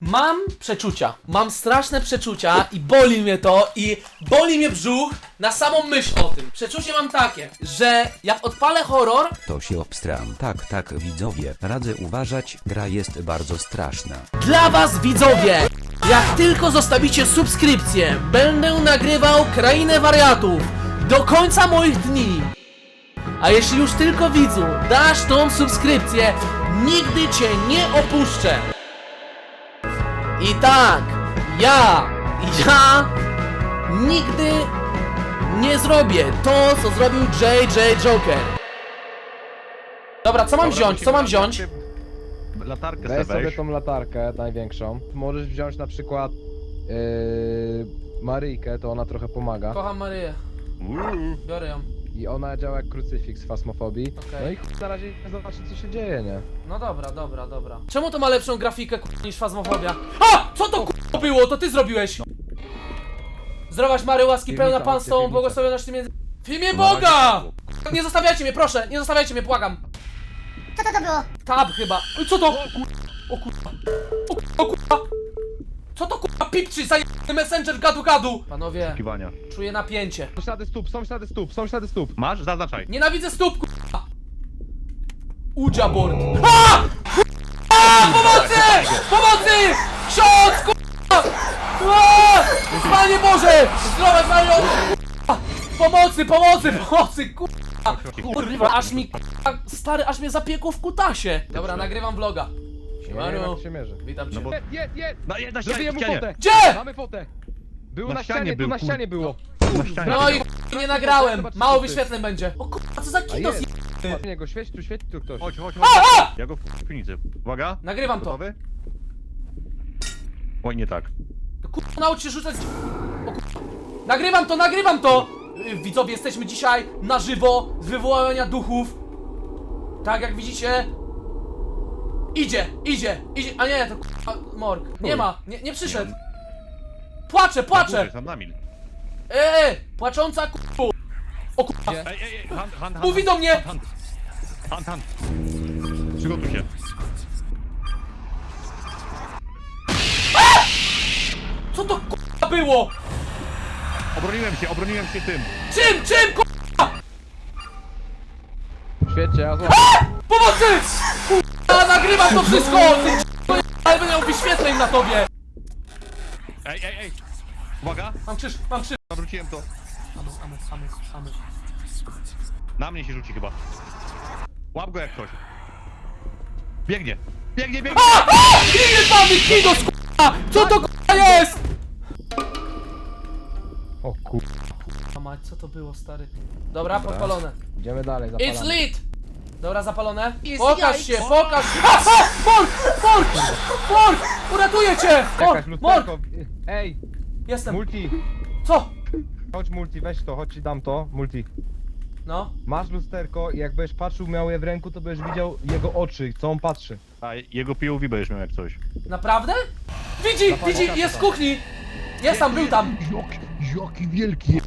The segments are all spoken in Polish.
Mam przeczucia, mam straszne przeczucia i boli mnie to i boli mnie brzuch na samą myśl o tym. Przeczucie mam takie, że jak odpalę horror, To się obstram. Tak, widzowie, radzę uważać, gra jest bardzo straszna. dla was widzowie, jak tylko zostawicie subskrypcję, będę nagrywał Krainę Wariatów do końca moich dni. A jeśli już tylko widzu dasz tą subskrypcję, nigdy cię nie opuszczę. I tak, ja nigdy nie zrobię to, co zrobił JJ Joker. Dobra, co mam wziąć? Co mam wziąć? Latarkę Weź sobie sobie weź. tą latarkę największą. Możesz wziąć na przykład Maryjkę, to ona trochę pomaga. Kocham Maryję, biorę ją. I ona działa jak krucyfiks w fasmofobii. Okej. No i na razie zobaczyć co się dzieje, nie? No dobra. Czemu to ma lepszą grafikę niż Fazmofobia? A! Co to było? To ty zrobiłeś! Zdrowaś Mary, łaski Piwnica, pełna Pan z tobą, piwnica. błogosławionaś ty między... W imię Boga! Nie zostawiajcie mnie, proszę! Nie zostawiajcie mnie, błagam! Co to było? Tab chyba. Oj, co to? O kurwa. O kurwa. Co to kurwa pipczy zajebany messenger gadu? Panowie, Kiwania. czuję napięcie. Są ślady stóp, są ślady stóp, są ślady stóp. Masz? Zaznaczaj. Nienawidzę stóp, kurwa! Udzia board. A! A! Pomocy! Pomocy! Ksiądz, kurwa! A! Panie Boże! Zdrować Mario! Kurwa! Pomocy, kurwa! Kurwa, aż mi, kurwa, stary, aż mnie zapiekło w kutasie. Dobra, nagrywam vloga. Nie wiem Siemano. jak się mierzy. Witam cię. No bo- Jest! Na ścianie, Zrobiłem mu fotę! Gdzie? Mamy fotę! Był Na na ścianie ścianie, był, tu na kur- ścianie było. Na ścianie. No i nie nagrałem. Zobacz, Mało co ty. wyświetleń będzie. O kurwa, co za A kinos jest! je... Patrz niego, świeć tu ktoś. Chodź. A! Ja go w piwnicy. Uwaga. Nagrywam to. Gotowy? Oj, nie tak. Kurwa, naucz się rzucać. O kurwa. Nagrywam to! Widzowie, jesteśmy dzisiaj na żywo z wywołania duchów. Tak jak widzicie. Idzie. A nie, to kurwa, morg. Nie ma, nie przyszedł. Płaczę. Sam na mil. Płacząca kurwa. O kurwa. Ej, hand. Mówi do mnie. Hand. Przygotuj się. Co to kurwa było? Obroniłem się tym. Czym kurwa? Świecie, ja złapam. Pomocy! Kurwa, nagrywam to wszystko! Ty kurwa, ale będę miał wyświetleń na tobie! Ej. Uwaga. Mam krzyż. Zawróciłem to. Amy. Na mnie się rzuci chyba. Łap go jak ktoś. Biegnie. Ile mamy kinos kurwa! Co to kurwa jest? O kur... A mać, co to było, stary? Dobra, podpalone. Idziemy dalej, It's zapalamy. lit! Dobra, zapalone. Jest Pokaż się, jajco. pokaż się! Morg! Uratuję cię! Jakaś Morg! lusterko. Ej, Jestem. multi. Co? Chodź multi, weź to, chodź ci dam to, multi. No. Masz lusterko i jak będziesz patrzył, miał je w ręku, to będziesz widział jego oczy, co on patrzy. A jego POV będziesz miał jak coś. Naprawdę? Widzi, jest w kuchni! Jest tam, był tam! Jaki wielki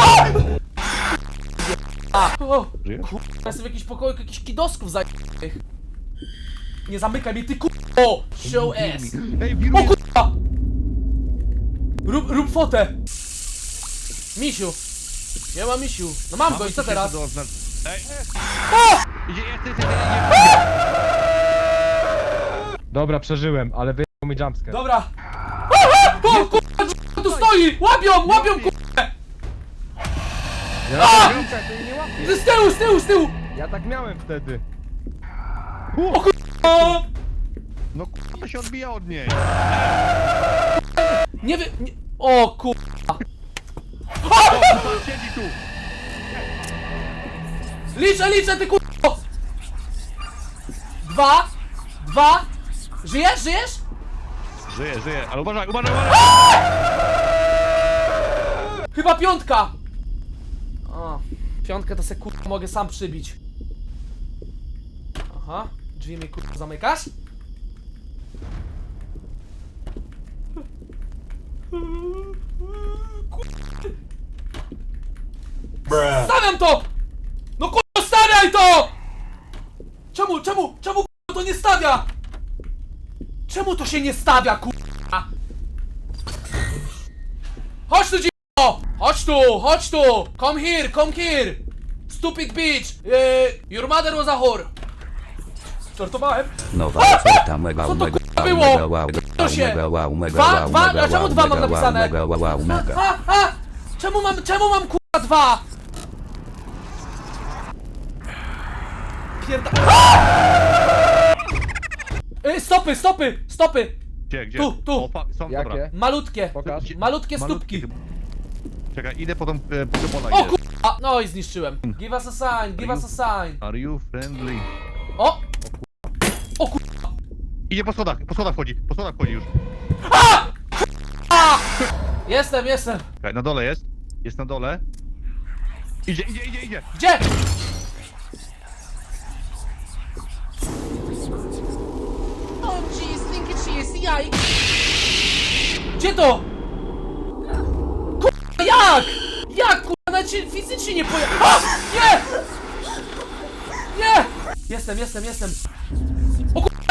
O, Żyjesz? jestem w jakimś pokoju, jakichś kidosków zajebnych. Nie zamykaj mnie, ty kurwo! Show ass! Ej, O wiruje! kurwa! Rób fotę! Misiu! Nie ma misiu. No mam go i co teraz? Ej! O! Idzie. Dobra, przeżyłem, ale wyjął mi jumpscare. Dobra! O kurwa, tu stoi! Łapią kurwa! Ja jumpscare, to jej nie łapię. Z tyłu! Ja tak miałem wtedy. O! No k***a, to się odbija od niej. Nie wy... Nie... O kurwa! Siedzi tu. Liczę, ty kurwa! 2 Żyjesz? Żyje, ale uważaj. Chyba 5! O, 5 to se kurwa mogę sam przybić. Aha, drzwi mi kurwa zamykasz? Stawiam to! No kurwa stawiaj to! Czemu kurwa to nie stawia? Czemu to się nie stawia kurwa? Chodź tu, dziko! Chodź tu! Come here! Stupid bitch! Your mother was a whore. Żartowałem. Nowa oferta mega Co to mega kurwa wow, było? mega wow, To się. mega wow, mega Dwa? wow, Dwa? mega A czemu wow, dwa mam mega wow, napisane? mega wow, mega. Czemu mam kurwa 2? Pierda... Stopy! Gdzie? Tu. O, są, dobra. Jakie? Malutkie Pokaż. Malutkie stópki. Czekaj, idę po tą pola. O kurwa! No i zniszczyłem. Give us a sign. Are you friendly? O! O kurwa! Idzie po schodach wchodzi już. Jestem. Czekaj, na dole jest. Jest na dole. Idzie. Gdzie? Oh jeez, think it's CSCI. Gdzie to? Kurwa, jak? Jak kurwa, nawet się fizycznie nie poja... A! Nie! Nie! Jestem. O kurwa,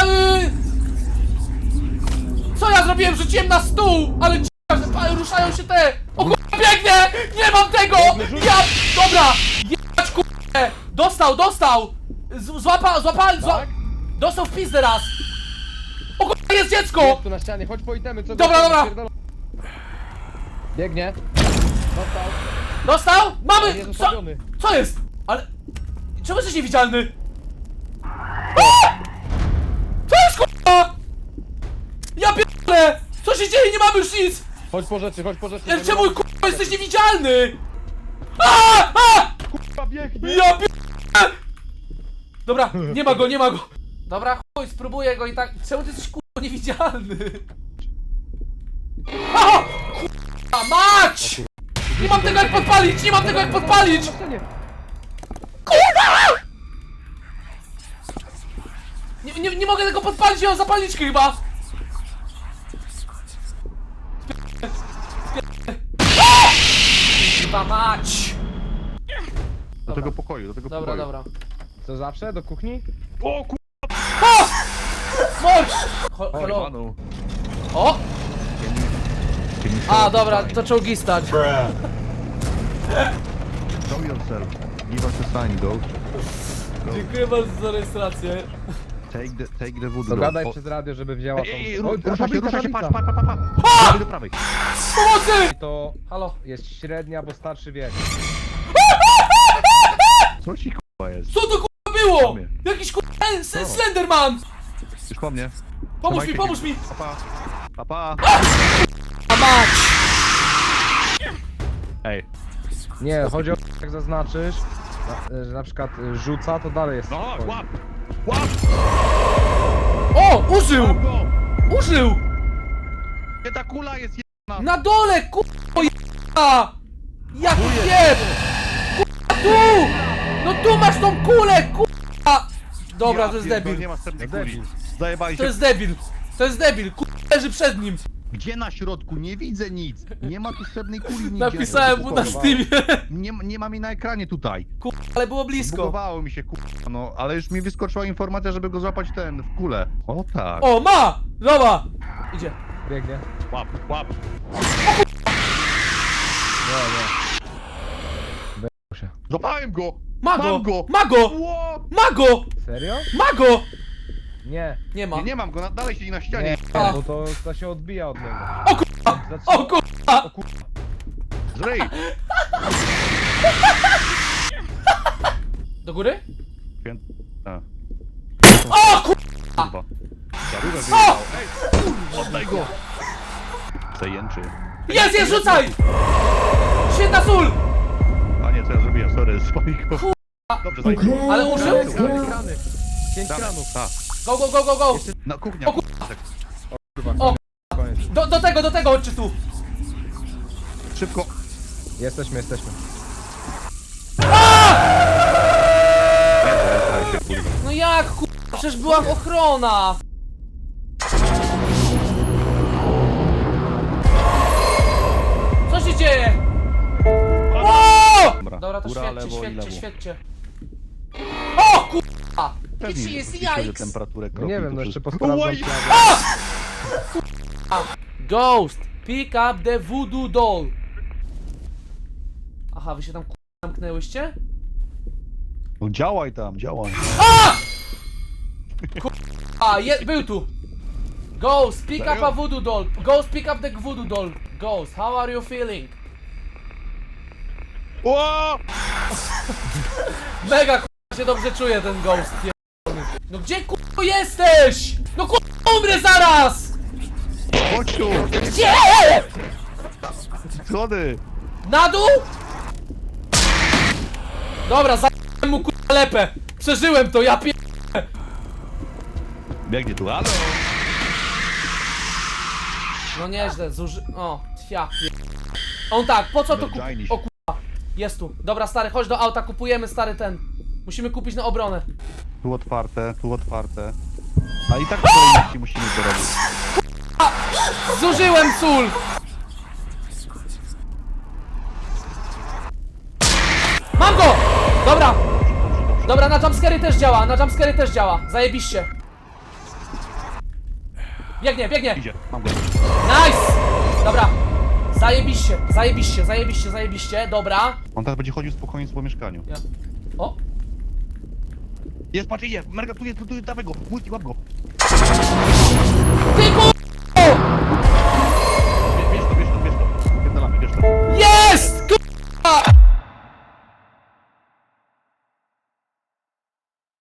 Co ja zrobiłem? Rzuciłem na stół! Ale że ruszają się te... O kurwa, biegnę! Nie mam tego! Ja... Dobra! Jebać kurwa! Dostał! Złapali... Dostał w pizdę raz! O kurwa, jest dziecko! Jest tu na ścianie, chodź po itemy, co Dobra. Biegnie. Dostał? Mamy! Jest Co? ustawiony. Co jest? Ale... Czemu jesteś niewidzialny? A! Co jest kurwa? Ja pierdolę! Co się dzieje? Nie mamy już nic! Chodź po rzeczy. Ale czemu kurwa jesteś niewidzialny? A! Kurwa, biegnie. Ja pierdolę! Dobra, nie ma go. Dobra, chuj, spróbuję go i tak... Czemu ty jesteś kurwa niewidzialny? A! Kurwa mać! Nie mam tego jak podpalić! Nie mogę tego podpalić, nie mam zapalniczki chyba! Chyba mać! Do tego pokoju. Dobra. Co zawsze? Do kuchni? O ku... Chodź! Oj, Hello. panu. O! Can you A, dobra, to czołgistać. show yourself. Give us a sign, go. Dziękuję bardzo za rejestrację. Take the wood. To go. gadaj O- przez radio, żeby wzięła tą... Ej, Oj, rusza się, tablica. patrz. Prawej do prawej. Pomocy! To Halo. jest średnia, bo starszy wiek. Co ci k***a jest? Co to kurwa było? Tomie. Jakiś kurwa Slenderman! Już po mnie. Pomóż mi! Papa. A mać! Ej. Nie, chodzi o jak zaznaczysz, że na przykład rzuca, to dalej jest. No, spokojnie. łap. O! Użył! Łap go. Użył! Gdzie ta kula jest jedna? Na dole, kurwa jeba! Jak jeb! Kurwa tu! No tu masz tą kulę, kurwa! Dobra, to jest debil. Nie ma srebrnej Debil. kuli. Zajebali To się. jest debil, kurwa leży przed nim. Gdzie na środku? Nie widzę nic. Nie ma tu srebrnej kuli nigdzie. Napisałem mu na Steamie. Nie mam jej na ekranie tutaj. Kurwa, ale było blisko. Zbugowało mi się k***a, no, ale już mi wyskoczyła informacja, żeby go złapać w kulę. O tak. O, ma! Dobra! Idzie. Biegnie. Łap. Nie. Złapałem go! Ma Mam go! go! Ma go! Ło! Ma go! Serio? Ma go! Nie. Nie ma. Nie mam go, dalej siedzi na ścianie. Nie, A. bo to się odbija od niego. O kurwa! O kurwa! Zryj! Do góry? A, O kurwa! kurwa. Zarówno wyjechał. Ej! Oddaj go! Zajęczy. Jest, rzucaj! Święta sól! A nie, co ja zrobiłem? Sorry, spalił go. Dobrze, zajęczy. Ale użył? Krany. 5 Damy. kranów. A, Go! na kuchnia. O O, Koniec. do tego, chodźcie tu! Szybko. Jesteśmy. No jak kurwa? Przecież była ochrona! Co się dzieje? O! Dobra, to Góra, lewo i świetcie. lewo. O kurwa! Pewnie Jest pisze, że jajks. temperaturę No kropli nie wiem, tu no jeszcze wszystko. posprawdzam Oj! ślady. Ghost, pick up the voodoo doll. Aha, wy się tam zamknęłyście? No działaj tam, działaj. Był tu! Ghost, pick up a voodoo doll. Ghost, pick up the voodoo doll. Ghost, how are you feeling? O! Mega się dobrze czuje ten ghost. No gdzie jesteś? No umrę zaraz! Chodź tu! Gdzie? Schody! Na dół? Dobra, za***łem mu lepę. Przeżyłem to, ja Biegnie tu, halo! No nieźle, O, ja On tak, po co to Wydajnie się. O kurwa, jest tu. Dobra stary, chodź do auta, kupujemy stary ten. Musimy kupić na obronę. Tu otwarte, tu otwarte. A i tak w kolejności musimy to robić. Zużyłem sól! Mam go! Dobra! Dobra, na jumpscary też działa, na jumpscary też działa. Zajebiście. Biegnie, biegnie! Idzie, mam go. Nice! Dobra. Zajebiście, zajebiście, zajebiście, zajebiście. Dobra. On teraz będzie chodził spokojnie po mieszkaniu. Ja. O! Jest, patrz, idzie! Merga, tu jest, dawaj go! Multi, łap go! Ty kur...